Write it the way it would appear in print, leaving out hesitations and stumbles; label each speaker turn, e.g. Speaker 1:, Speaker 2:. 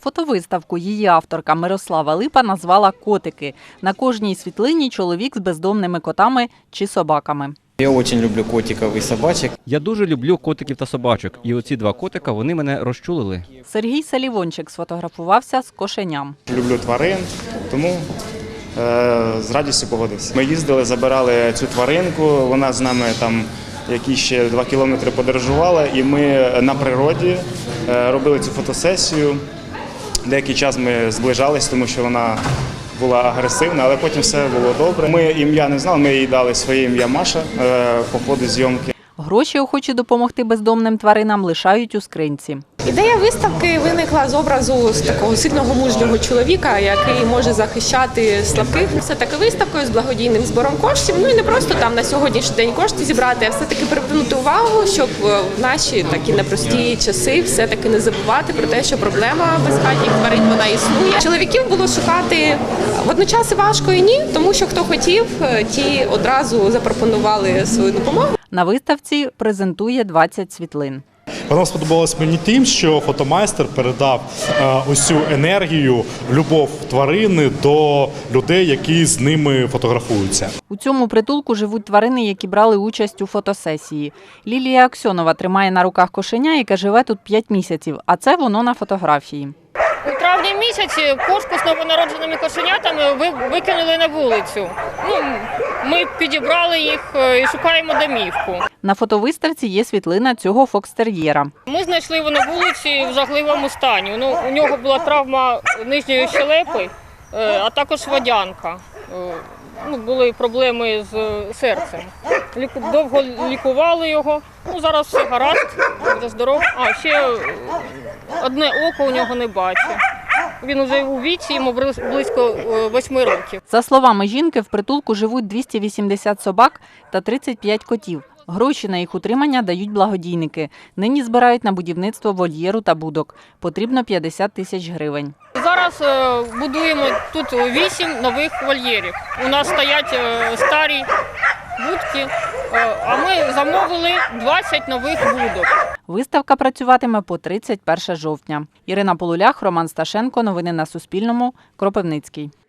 Speaker 1: Фотовиставку її авторка Мирослава Липа назвала «Котики». На кожній світлині чоловік з бездомними котами чи собаками.
Speaker 2: Я дуже люблю котиків і собачок.
Speaker 3: Я дуже люблю котиків та собачок. І оці два котика, вони мене розчулили.
Speaker 1: Сергій Салівончик сфотографувався з кошеням.
Speaker 4: Люблю тварин, тому з радістю погодився. Ми їздили, забирали цю тваринку, вона з нами там які ще 2 кілометри подорожувала, і ми на природі робили цю фотосесію. Деякий час ми зближались, тому що вона була агресивна, але потім все було добре. Ми ім'я не знали, ми їй дали своє ім'я Маша по ходу зйомки.
Speaker 1: Гроші охочі допомогти бездомним тваринам лишають у скринці.
Speaker 5: Ідея виставки виникла з образу з такого сильного мужнього чоловіка, який може захищати слабких. Все-таки виставкою з благодійним збором коштів, ну і не просто там на сьогоднішній день кошти зібрати, а все-таки привернути увагу, щоб в наші такі непрості часи все-таки не забувати про те, що проблема безхатніх тварин, вона існує. Чоловіків було шукати водночас і важко, і ні, тому що хто хотів, ті одразу запропонували свою допомогу.
Speaker 1: На виставці презентує 20 світлин.
Speaker 6: Вона сподобалась мені тим, що фотомайстер передав ось цю енергію, любов тварини до людей, які з ними фотографуються.
Speaker 1: У цьому притулку живуть тварини, які брали участь у фотосесії. Лілія Аксьонова тримає на руках кошеня, яке живе тут 5 місяців, а це воно на фотографії.
Speaker 7: У травні місяці кошку з новонародженими кошенятами викинули на вулицю. Ми підібрали їх і шукаємо домівку.
Speaker 1: На фотовиставці є світлина цього фокстер'єра.
Speaker 7: Ми знайшли його на вулиці в жахливому стані. У нього була травма нижньої щелепи, а також водянка. Були проблеми з серцем. Довго лікували його. Зараз все гаразд, буде здоров. А ще одне око у нього не бачить. Він уже у віці, йому близько 8 років.
Speaker 1: За словами жінки, в притулку живуть 280 собак та 35 котів. Гроші на їх утримання дають благодійники. Нині збирають на будівництво вольєру та будок. Потрібно 50 тисяч гривень.
Speaker 7: Зараз будуємо тут 8 нових вольєрів. У нас стоять старі будки, а ми замовили 20 нових будок.
Speaker 1: Виставка працюватиме по 31 жовтня. Ірина Полулях, Роман Сташенко. Новини на Суспільному. Кропивницький.